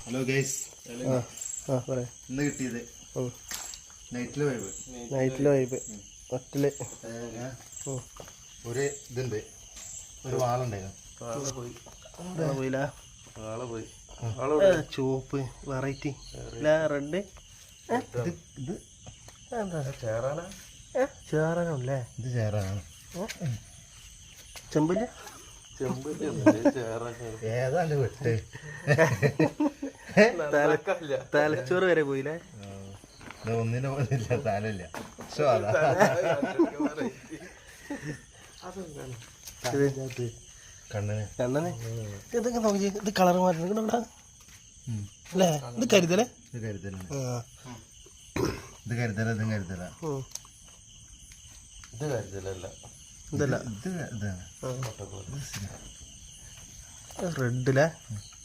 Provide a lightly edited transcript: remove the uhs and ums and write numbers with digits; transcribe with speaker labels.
Speaker 1: Hello guys, ഇന്ന് കിട്ടിയത് നൈറ്റിലെ വൈബ് ഒറ്റല് ഒരു ഇതുണ്ട്, ഒരു വാളുണ്ടായിരുന്നു. ചുവപ്പ് വെറൈറ്റി റെഡ് ഇത് ചേറാനല്ലേ? ഇത് ചേറാനാണ്. ചെമ്പില് ഏതാണ്ട് വിട്ട് തലച്ചോറ് വരെ പോയില്ലേ? ഒന്നിനെ പോലില്ല, തലയില്ല. കണ്ണന് ഇതൊക്കെ നോക്കി. ഇത് കളർ മാറ്റുന്നുണ്ട് അല്ലേ? ഇത് കരുതലേ? ഇത് കരുതലാണ്. ഇത് കരുതല. ഇതും കരുതല. ഇത് കരുതലല്ല. ഇതല്ല, ഇത് റെഡിലെ